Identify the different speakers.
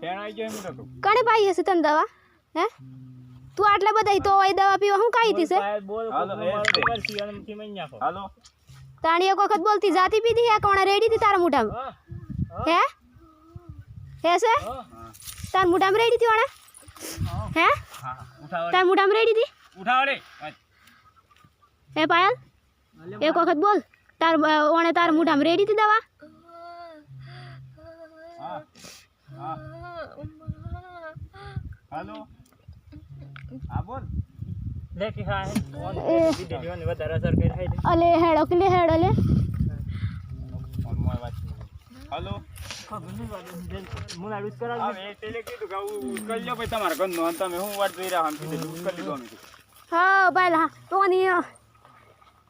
Speaker 1: કણે પાઈ હશે તને દવા હે તું આટલા બધા તો એ દવા પીવા હું કાઈ હતી છે
Speaker 2: હાલો
Speaker 1: તાણી એક વખત બોલતી જાતી પીધી હે કોણે રેડી હતી તારા મોઢામાં હે હે છે તાર મોઢામાં રેડી હતી ઓણે હે તાર મોઢામાં રેડી હતી
Speaker 2: ઉઠાવડે
Speaker 1: હે પાયલ એક વખત બોલ તાર ઓણે તાર મોઢામાં રેડી હતી દવા
Speaker 2: હા હા હાલો હા બોલ
Speaker 3: લે કે હા વિડિયો ને વધારે અસર કરી થાય
Speaker 1: અલે હેડો કે લે હેડો લે
Speaker 2: ફોન માં વાત હાલો
Speaker 3: મુલા રૂસ કરાવ
Speaker 2: હવે તેલે કીધું કે કરી લો ભાઈ તમારા ઘરનો અને તમે હું વાત જોઈ રહ્યા આમ કીધું કરી લીધું અમે
Speaker 1: હા પાયલ હા તો ની